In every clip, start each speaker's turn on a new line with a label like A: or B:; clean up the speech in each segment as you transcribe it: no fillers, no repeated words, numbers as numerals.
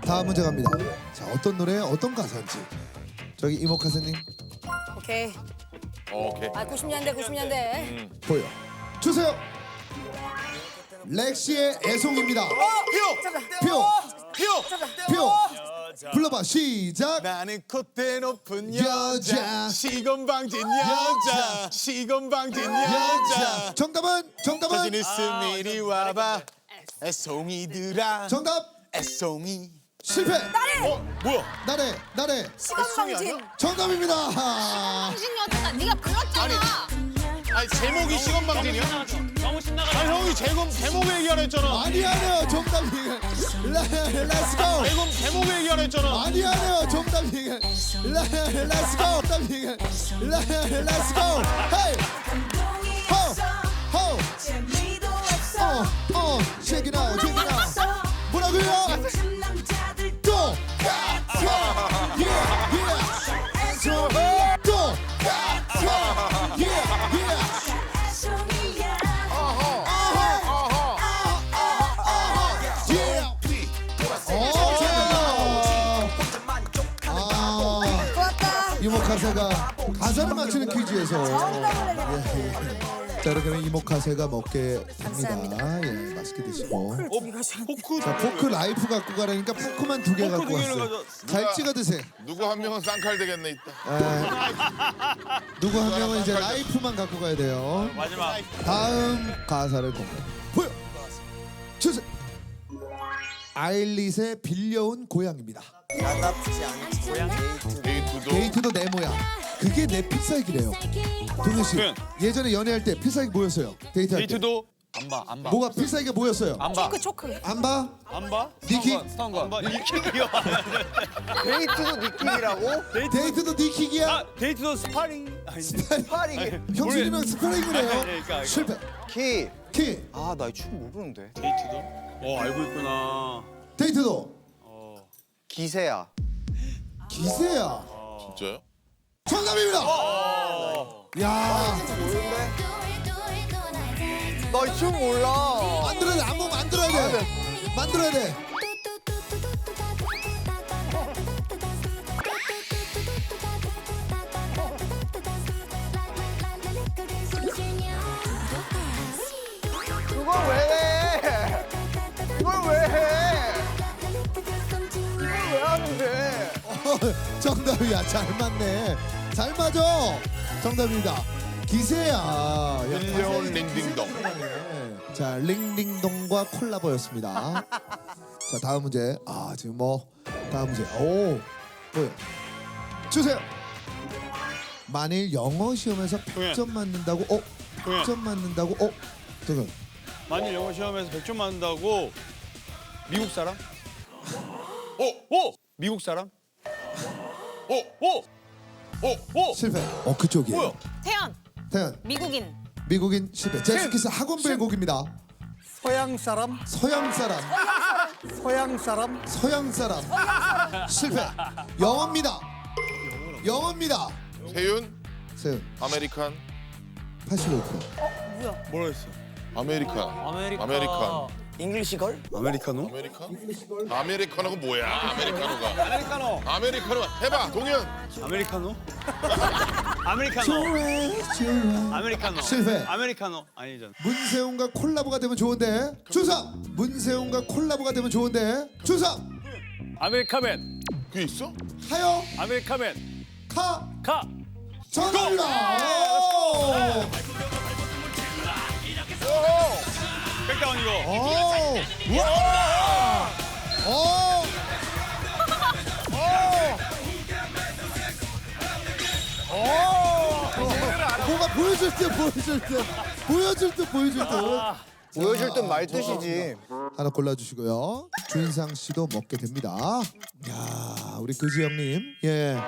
A: 다음 문제 갑니다. 자, 어떤 노래, 어떤 가사인지. 저기 이모카세님
B: 오케이.
C: 오케이.
B: 아 90년대.
A: 보여 주세요. 렉시의 애송입니다. 표, 표. 불러봐 시작.
D: 나는 콧대 높은
A: 여자.
D: 여자 시건방진 여자 시건방진 여자
A: 정답은
D: 사진 있음 이리 와봐 애송이들아
A: 정답
D: 애송이
A: 실패.
D: 뭐야
A: 나래
B: 시간방진.
A: 정답입니다.
B: 당신이 어쩌다 네가 불렀잖아.
D: 아니 제목이 시건방진이야?
E: 너무 신나가지고.
D: 아니 형이 제목 얘기하라 했잖아
A: 아니야요 정답이. Let's go.
D: 제목 얘기하라 했잖아
A: 아니야요 정답이. Let's go. 정답이. Let's go. Hey. Ho. Check it out. 뭐라고요? 또. 또. 이모카세가 가사를 맞추는 퀴즈에서 자 이렇게 하면 이모카세가 먹게 됩니다. 예, 맛있게 드시고.
D: 포크
A: 자 포크 라이프 갖고 가라니까 포크만 2개 갖고 왔어요. 잘 찍어 드세요.
C: 누구 한 명은 쌍칼 되겠네 있다.
A: 누구 한 명은 이제 라이프만 갖고 가야 돼요.
E: 마지막.
A: 다음 가사를 보여 주세요. 아일릿의 빌려온 고향입니다.
C: 데이트도
A: 데이트도 내 모양. 그게 내 필살기래요. 동현 씨 예전에 연애할 때 필살기 뭐였어요? 데이트할 때.
E: 데이트도 안 봐.
A: 뭐가 필살기가 뭐였어요?
E: 안 봐.
B: 초크.
A: 안 봐?
E: 안 봐?
A: 니킥?
E: 안 봐. 니킥이요.
F: 데이트도 니킥이라고?
A: 데이트도 니킥이야?
E: 아, 데이트도 스파링. 아니,
F: 스파링이
A: 형수님이랑 스파링을 해요?
E: 그러니까.
A: 실패.
F: 키.
A: 키.
F: 아, 나 이 춤 모르는데.
E: 데이트도? 알고 있구나.
A: 데이트도.
F: 기세야.
A: 기세야.
C: 진짜요?
A: 정답입니다. 야,
F: 모르는데? 나 이 춤 몰라.
A: 만들어야 돼. 안무 만들어야 돼. 만들어야 돼.
F: 그걸 왜 해? 이걸 왜 해? 이걸 왜 하는데?
A: 정답이야. 잘 맞네. 잘 맞아. 정답입니다. 기세야. 야,
C: 빌려온 링딩동.
A: 자, 링딩동과 콜라보였습니다. 자, 다음 문제. 아, 지금 뭐 다음 문제. 오, 보여. 주세요. 만일 영어 시험에서 100점 맞는다고,
E: 동현.
A: 100점 맞는다고, 잠깐.
E: 만일 영어 시험에서 100점 맞는다고 미국 사람? 미국 사람?
A: 실패. 그쪽이에요.
E: 뭐야?
A: 태연,
B: 미국인.
A: 미국인 실패. 제스키스 학원별 곡입니다.
F: 서양 사람?
A: 서양 사람,
F: 서양 사람?
A: 서양 사람. 실패. 영어입니다. 영어입니다.
C: 세윤
A: 세연,
C: 아메리칸
A: 85%.
E: 뭐라 했어?
C: 아메리칸 아메리칸
F: 잉글리시걸?
E: 아메리카노?
C: 아메리카노가 뭐야?
E: 아메리카노.
C: 아메리카노 해봐 동현.
E: 아메리카노? 아메리카노. 아메리카노.
A: 실패.
E: 아메리카노 아니잖아.
A: 문세훈과 콜라보가 되면 좋은데. 주상. 문세훈과 콜라보가 되면 좋은데. 주상.
E: 아메리카맨.
C: 그게 있어?
A: 하여
E: 아메리카맨.
A: 카
E: 가.
A: 정답입니다.
E: 백다운이고.
A: 뭐가 보여줄 때.
F: 보여줄 땐 말뜻이지.
A: 하나 골라주시고요. 주인상 씨도 먹게 됩니다. 야, 우리 그지 형님. 예.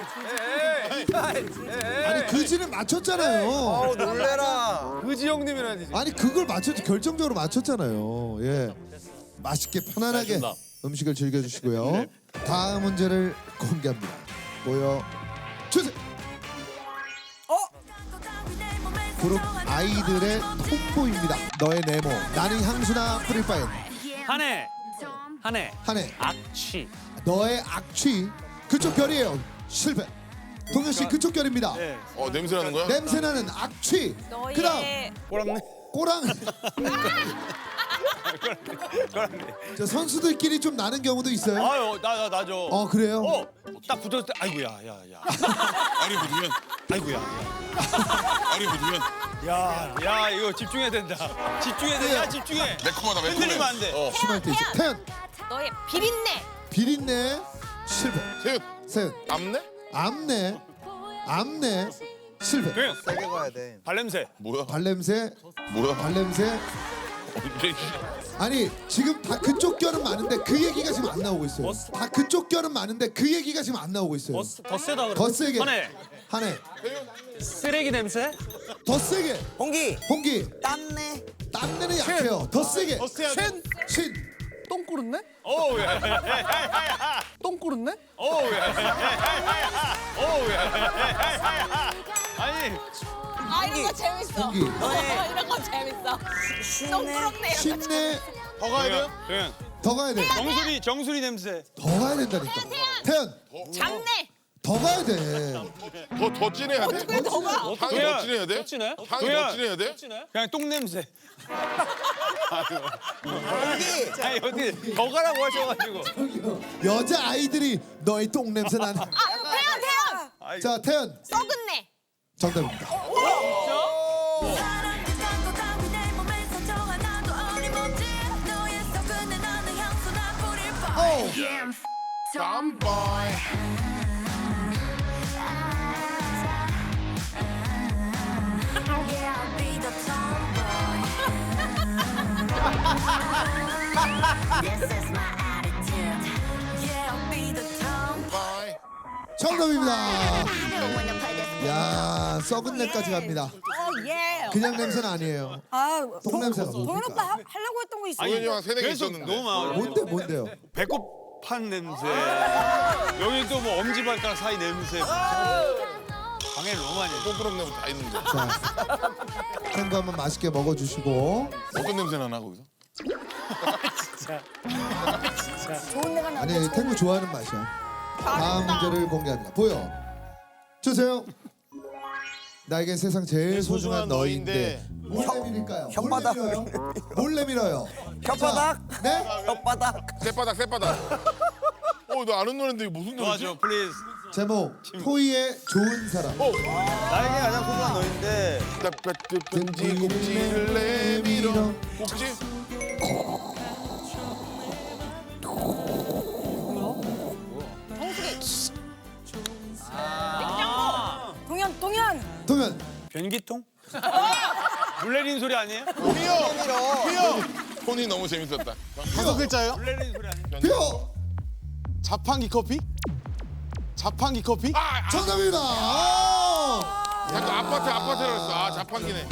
A: 아니 그지는 맞췄잖아요.
F: 놀래라.
E: 그지 형님이라니.
A: 아니 그걸 맞췄 결정적으로 맞췄잖아요. 예. 맛있게 편안하게
E: 알겠습니다.
A: 음식을 즐겨주시고요. 다음 문제를 공개합니다. 보여 주세요. 그룹 아이들의 톰보입니다. 너의 네모. 나는 향수나 뿌릴 바엔.
E: 한해.
G: 한해
A: 한해.
G: 악취
A: 너의 악취 그쪽 결이에요. 실패. 동현 씨 그쪽 결입니다.
E: 네.
C: 냄새 나는 거야?
A: 냄새나는 악취.
B: 너의
A: 그다음
E: 꼬랑네.
A: 꼬랑. 저 선수들끼리 좀 나는 경우도 있어요.
E: 아유 나죠.
A: 그래요?
E: 딱 붙었을 때 아이고야 야.
C: 아니 묻으면
E: 아이고야.
C: 아니 묻으면
E: 야 이거 집중해야 된다. 집중해야 돼. 야 집중해.
C: 매콤하다 매콤해.
E: 흔들리면 안 돼.
A: 심할 때 있어. 태연
B: 너의 비린내.
A: 비린내 실패.
C: 세윤
A: 세연
C: 암내?
A: 암내 실패.
E: 도현
F: 세게 가야 돼.
E: 발냄새.
C: 뭐야?
A: 발냄새
C: 뭐야?
A: 발냄새.
C: 언제?
A: 아니 지금 다 그쪽 결은 많은데 그 얘기가 지금 안 나오고 있어요. 다 그쪽 결은 많은데 그 얘기가 지금 안 나오고 있어요.
G: 더 세다 그래
A: 더 세게.
G: 한해 쓰레기 냄새
A: 더 세게.
F: 홍기.
A: 홍기.
F: 땀내.
A: 땀내는 약해요. 더 세게. 신.
F: 똥 꾸렸네?
E: 어우 야.
F: 똥 꾸렸네?
E: 어우 야. 아니
B: 아 이런 거 재밌어.
A: 홍기.
B: 이런 거 재밌어. 똥그럽네.
A: 신내.
D: 더 가야 돼요?
E: 도현
A: 더 가야 돼.
E: 정수리 냄새.
A: 더 가야 된다니까. 태연.
B: 잡내.
A: 더 가야 돼.
C: 더 진해야 돼?
B: 어떻게 더 가?
C: 향이 더 진해야 돼?
G: 진해?
C: 향이 더
E: 도현.
C: 진해야 돼?
E: 그냥 똥 냄새.
F: 홍기.
E: 아니 어떻게 더 가라고 하셔가지고.
A: 여자 아이들이 너의 똥 냄새 나는.
B: 아 태연.
A: 자 태연
B: 썩은 내.
A: 정답입니다.
C: Tomboy. Tomboy.
A: 정답입니다. 야 썩은 내까지 갑니다.
B: 예.
A: 그냥 냄새는 아니에요.
B: 아
A: 똥 냄새가
B: 동현 오빠
A: 뭡니까?
B: 하려고 했던 거 있어.
C: 도현이 형 새내기
E: 계속
C: 있었는데.
E: 너무 많아.
A: 뭔데요?
E: 배꼽 판 냄새. 여기 또 뭐 엄지발가락 사이 냄새. 방에 너무 많이. 해.
C: 똥그런 냄새 다 있는데.
A: 자 탱고 한번 맛있게 먹어주시고.
C: 어떤 냄새 나나 거기서?
B: 좋은 내가 나.
A: 아니 탱고 좋아하는 맛이야. 다음 문제를 공개합니다. 보여 주세요. 나에겐 세상 제일 소중한 너인데 뭘 내밀까요?
F: 혓바닥.
A: 뭘 내밀어요?
F: 혓바닥.
A: 네?
F: 혓바닥.
C: 새바닥. 너 아는 노래인데 이게 무슨 노래지?
E: 도와줘, 플리즈.
A: 제목 토이의 좋은 사람.
F: 나에게 가장 소중한 너인데.
C: 든지 꼭지를 내밀어. 꼭지?
B: 동현.
E: 변기통? 물 내리는 소리 아니에요?
C: 톤이 너무 재밌었다.
D: 다섯 글자예요?
E: 물 내리는 소리 아니에요?
A: 표
D: 자판기 커피? 자판기 커피?
A: 정답입니다.
C: 약간 아파트라고 했어. 아, 자판기네.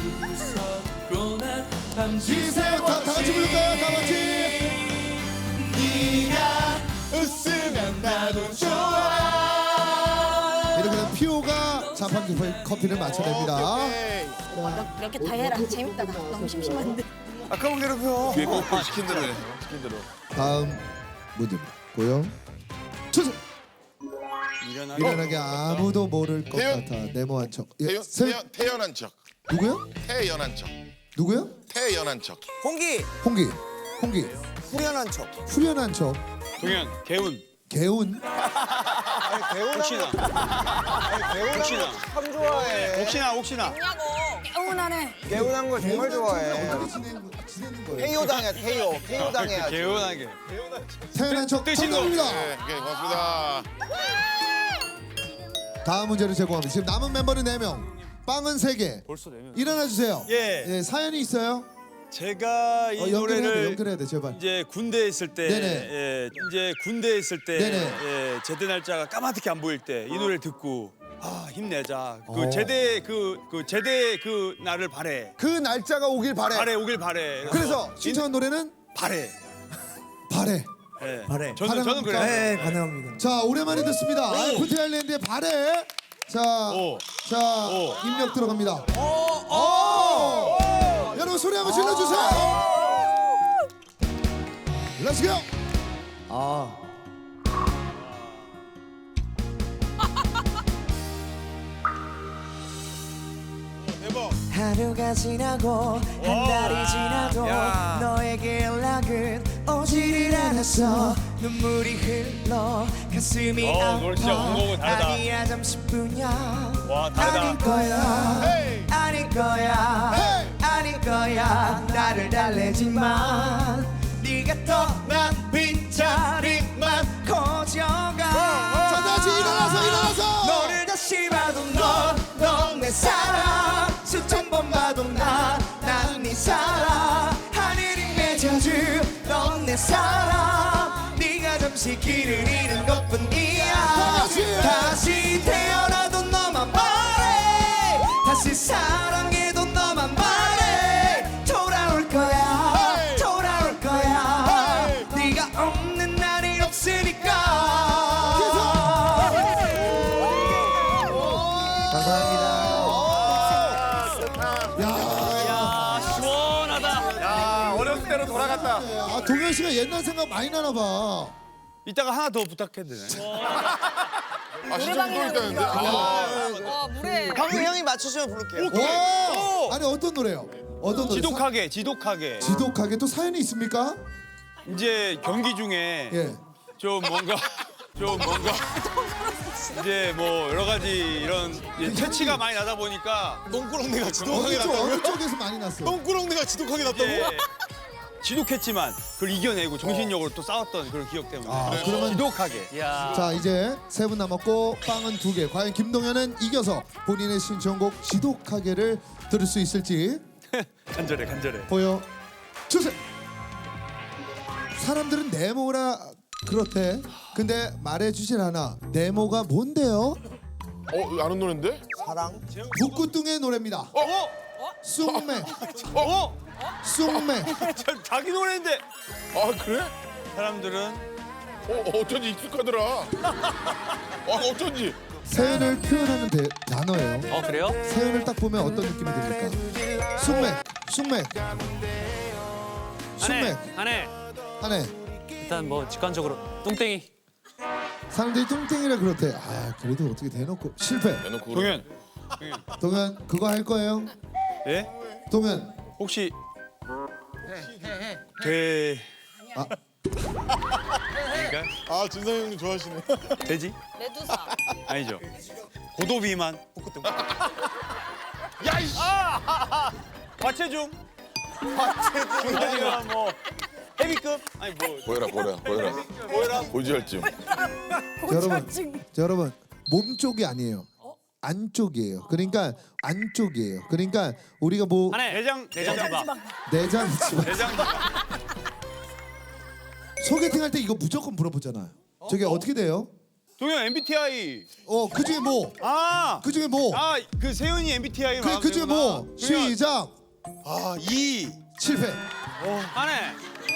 A: 지세요. 다 같이 부를까요? 다 같이.
D: 웃으면 나도 좋아.
A: 이렇게 되면 피오가 자판기 커피를 맞춰냅니다.
B: 몇 개 다 해라. 재밌다. 나 너무 심심한데.
F: 아까운 괴롭혀.
C: 뒤에 꼭 시킨 대로 해. 시킨 대로.
A: 다음 문제입니다. 보여 주세요. 미련하게 아무도 모를 것
C: 태연.
A: 같아 네모한 척.
C: 태연한 척.
A: 누구요?
C: 태연한 척.
A: 누구요?
C: 태연한 척.
F: 홍기.
A: 홍기.
F: 후련한 척.
A: 후련한 척.
E: 동현, 개운.
A: 개운.
E: 혹시나. 혹시나.
F: 참 좋아해.
E: 혹시나.
B: 뭐냐고. 개운하네.
F: 개운한 걸 정말 좋아해.
A: 어떻게 지내는 거예요?
F: 태요 당해. 태요 당해야지.
E: 개운하게.
A: 태연한 척
E: 뜨신 거.
A: 정답입니다.
C: 네, 고맙습니다.
A: 다음 문제를 제공합니다. 지금 남은 멤버는 4명. 빵은 3개.
E: 벌써 내면.
A: 일어나 주세요.
E: 예.
A: 사연이 있어요?
E: 제가 이
A: 연결해야 돼.
E: 노래를
A: 연결해야 돼. 제발.
E: 이제 군대에 있을 때,
A: 네네.
E: 이제 군대에 있을 때,
A: 네네.
E: 제대 날짜가 까맣게 안 보일 때 이 노래를 듣고 힘내자. 그
A: 어.
E: 제대 제대 날을 바래.
A: 그 날짜가 오길 바래.
E: 오길 바래.
A: 그래서 신청한 노래는
E: 바래.
A: 바래.
E: 예.
F: 바래.
E: 저는 그래요.
F: 네, 가능합니다.
A: 자 오랜만에 듣습니다. 아이프트 아일랜드의 바래. 자,
E: 오.
A: 입력 들어갑니다. 여러분 소리 한번 질러주세요. Let's go.
H: 하루가 지나고 한 달이 지나도 너에게 연락은 오지를 않았어. 눈물이 흘러 가슴이
E: 노래 진짜 원곡은
H: 아파.
E: 다르다.
H: 아니야 잠시뿐이야.
E: 와, 다르다.
H: 아닐 거야 아닐 거야 아닐 거야. 나를 달래지만 네가 떠난 빈자리만 커져가.
A: 자, 다시 일어나서.
H: 너를 다시 봐도 넌 내 사랑. 수천 번 봐도 난 네 사랑. 하늘이 맺어줄 넌 내 사랑. 네가 잠시 길을 잃은 것뿐이야. 다시 태어나도 너만 바래. 다시 사랑해도 너만 바래. 돌아올 거야 돌아올 거야. 네가 없는 날이 없으니까.
A: 감사합니다.
G: 시원하다.
C: 어렸을 때로 돌아갔다.
A: 아, 동현 씨가 옛날 생각 많이 나나 봐.
E: 이따가 하나 더 부탁해도 되나요?
C: 아 진짜 또 있다는데.
B: 와 물에.
F: 형이 맞추시면 부를게요.
A: 와! 아니 어떤 노래요? 어떤 노래?
E: 지독하게.
A: 지독하게 또 사연이 있습니까?
E: 이제 경기 중에
A: 예.
E: 좀 뭔가 이제 뭐 여러 가지 이런 이제 퇴치가 많이 나다 보니까
D: 똥꾸렁내가 지독하게 났다고요?
A: 어느 쪽에서 많이 났어요?
D: 똥꾸렁내가 지독하게 났다고?
E: 이제 지독했지만 그걸 이겨내고 정신력으로 또 싸웠던 그런 기억 때문에
A: 그러면
E: 지독하게.
G: 야.
A: 자 이제 세 분 남았고 빵은 2개. 과연 김동현은 이겨서 본인의 신청곡 지독하게를 들을 수 있을지
E: 간절해.
A: 보여 주세요. 사람들은 네모라 그렇대. 근데 말해주질 않아. 네모가 뭔데요?
C: 아는 노래인데?
F: 사랑.
A: 북구뚱의 노래입니다. 쑥매. 쑥매.
E: 자기 노래인데
C: 아 그래?
E: 사람들은
C: 어쩐지 익숙하더라. 어쩐지.
A: 세연을 표현하는 단어예요.
G: 그래요?
A: 세연을 딱 보면 어떤 느낌이 듭니까? 쑥맥.
G: 안해.
A: 하네.
G: 일단 뭐 직관적으로 뚱땡이.
A: 사람들이 뚱땡이라 그렇대. 아 그래도 어떻게 대놓고 실패.
C: 대놓고
E: 동현
A: 동현 그거 할 거예요?
E: 예?
A: 동현
E: 혹시 돼
A: 아.
E: 그러니까
D: 아 진상 형님 좋아하시네.
E: 돼지?
B: 메두사.
E: 아니죠. 고도 비만 북구뚱. 야이씨. 과체중. 과체중. 뭐 헤비급? 아니 뭐
C: 보여라. 고지혈증.
A: 여러분 몸 쪽이 아니에요. 안쪽이에요. 그러니까 안쪽이에요. 그러니까 우리가 뭐
G: 안해.
E: 내장 지방.
A: 내장 지방
E: 내장 지방.
A: 소개팅 할 때 이거 무조건 물어보잖아요. 저게 어떻게 돼요?
E: 동현 MBTI.
A: 그중에 뭐? 그중에 뭐?
E: 그 세윤이 MBTI
A: 그중에 뭐? 시작.
E: E.
A: 실패.
G: 안해.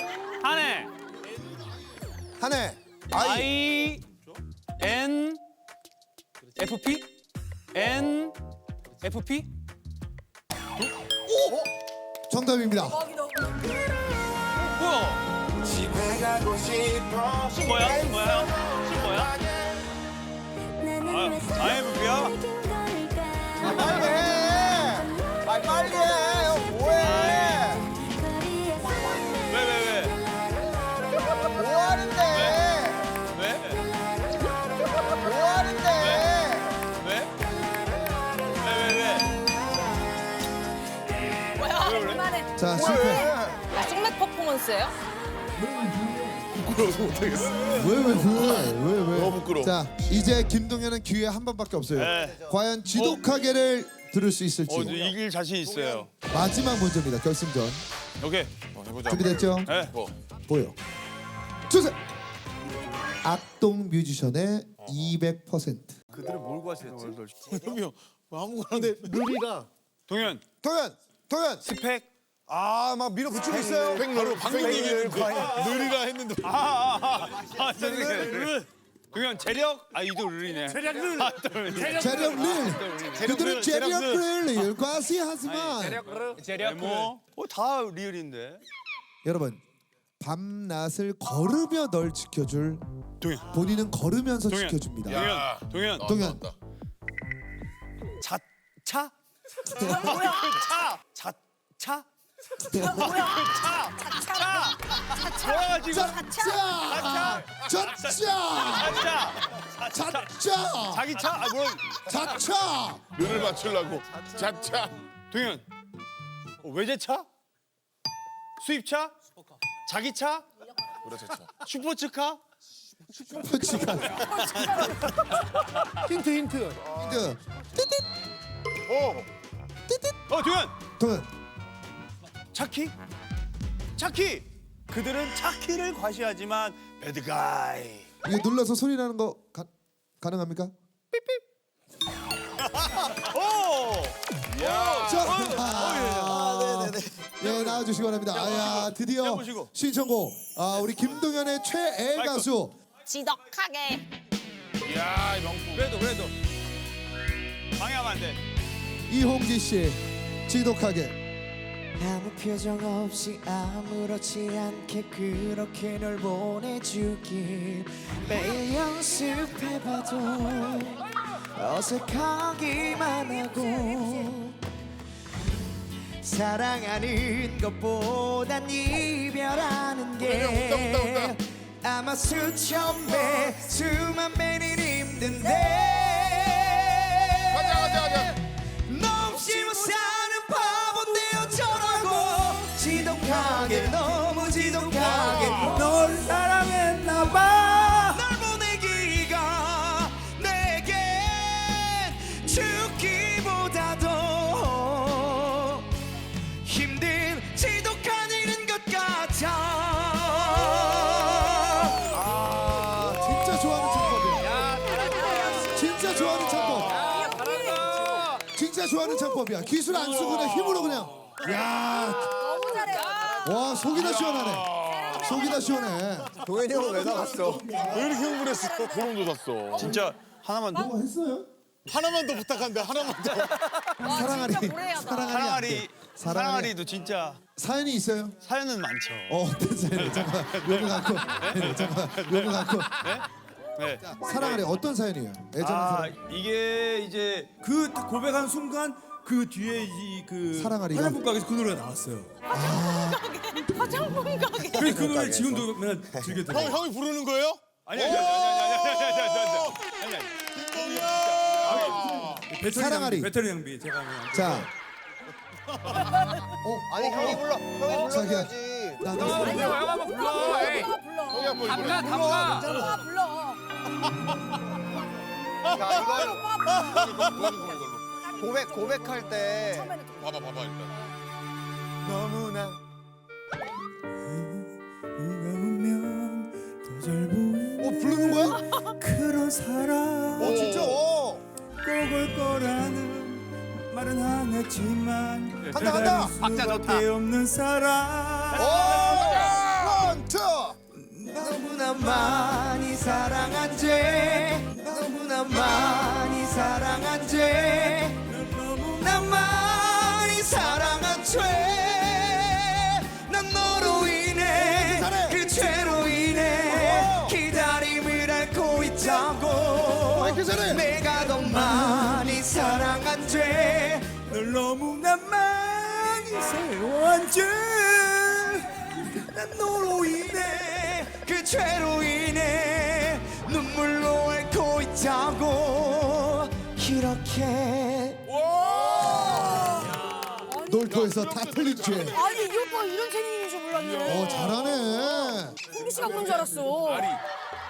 A: 한해.
G: I N F P N F P.
A: 정답입니다.
G: 뭐야? 신 뭐야?
E: IMFP야?
F: 빨리 해. 빨리 해. 형 뭐해?
E: 왜?
F: 뭐 하는데? 뭐 하는데?
B: 뭐야?
E: 왜 그래?
B: 그만해.
A: 자 실패.
B: 숙맥 퍼포먼스예요?
A: 왜?
C: 너무 부끄러워.
A: 자 이제 김동현은 기회 한 번밖에 없어요.
E: 네.
A: 과연 지독하게를 들을 수 있을지.
E: 이길 자신 있어요.
A: 마지막 문제입니다. 결승전.
E: 오케이.
C: 해보자.
A: 준비됐죠?
E: 네.
A: 보여 주세요. 악동 뮤지션의 200%.
E: 그들을 뭘 구하시겠지?
D: 형이 형 아무거나 근데 르리가
E: 동현
A: 동현.
E: 스펙.
F: 막 밀어붙이고 있어요.
D: 바로 방금 얘기했는데 르리라 했는데
E: 동현 재력. 이도 룰이네. 재력 룰.
A: 재력 릴. 그들은 재력 릴 과시하지만
E: 재력 뭐? 다 리얼인데.
A: 여러분 밤낮을 걸으며 널 지켜줄
E: 동현.
A: 본인은 걸으면서
E: 동현.
A: 지켜줍니다.
C: 야.
E: 동현.
A: 동현.
C: 나왔다.
E: 차? 차? 좋아가지고
A: 자차
E: 자기 차? 아 뭐야?
A: 자차
C: 뇌를 맞추려고. 자차.
E: 동현. 외제차? 수입차? 자기 차?
C: 그렇죠. 차.
E: 슈퍼츠카?
A: 표치가
D: 힌트.
A: 힌트
E: 동현.
A: 동현
E: 차키? 차키! 그들은 차키를 과시하지만 배드가이.
A: 이게 눌러서 소리 나는 거 가능합니까?
E: 오!
A: 예, 나와주시기 바랍니다. 아야, 드디어
E: 해보시고.
A: 신청곡. 우리 김동현의 최애 가수.
B: 지독하게.
C: 야, 명품.
E: 그래도 방해하면 안 돼.
A: 이홍기 씨, 지독하게.
H: 아무 표정 없이 아무렇지 않게 그렇게 널 보내주길 매일 연습해봐도 어색하기만 하고 사랑하는 것보단 이별하는 게 아마 수천 배 수만 배는 힘든데
C: 가자.
H: 너 없이 못 사는 바본데 어쩌라고 지독하게 너무 지독하게 널 사랑했나봐 널 보내기가 내겐 죽기보다도 힘든 지독한 일인 것 같아
A: 진짜 좋아하는 창법이야. 진짜 좋아하는 창법. 진짜 좋아하는 창법이야. 기술 안 쓰고 그냥 힘으로 그냥. 야,
B: 너무 잘해.
A: 와 속이 다 시원하네. 속이 다 시원해.
F: 동현이 형은 왜 나갔어?
E: 왜 이렇게 흥분했어?
C: 소름 돋았어.
E: 진짜 하나만 더.
A: 뭐 했어요?
D: 하나만 더 부탁한대. 하나만 더.
B: 와,
A: 사랑아리.
B: 진짜 무례하다.
A: 사랑아리.
E: 사랑아리도 진짜
A: 사연이 있어요?
E: 사연은 많죠.
A: 어떤 사연이? 잠깐 요거 갖고. 잠깐 요거 갖고.
E: 네.
A: 사랑아리 어떤 사연이에요? 애정한 사랑.
E: 이게 이제
I: 그 딱 고백한 순간 그 뒤에 이그
A: 사랑아리가?
I: 화장품 가게에서 그 노래가 나왔어요.
B: 화장품 가게.
I: 그 노래 지금도 맨날 즐겨 들어요.
D: 형이 부르는 거예요?
E: 아니.
A: 사랑아리.
I: 배터리 낭비 제가 하면.
A: 자,
F: 아니 형이 불러. 형이
A: 자기야.
F: 불러줘야지.
A: 나
B: 아니야, 한번 불러.
C: 형이 한번
B: 불러.
C: 불러.
B: 불러.
F: 자 이걸
C: 이걸로.
F: 고백할 때
C: 봐봐 일단.
F: 너무나
I: 네가 오면 더 잘 보이는
A: 부르는 거야?
I: 그런 사람
F: 진짜
I: 꼭올 거라는 말은 안 했지만
F: 간다.
E: 박자 좋다.
I: 수밖에 없는 사람
F: 원투 너무나 많이 사랑한 죄 너무나 많이 사랑한 죄 너무나 많이 사랑한 죄난 너로 인해 그 죄로 인해 기다림을 앓고 있다고 내가 더 많이 사랑한 죄
I: 널 너무나 많이 사랑한
F: 난 너로 인해 그 죄로 인해 눈물로 앓고 있다고 이렇게
A: 놀토에서 다 틀린 죄.
B: 아니, 이 오빠 이런 재능인 줄 몰랐네.
A: 잘하네.
B: 홍기 씨가 그런 줄 알았어.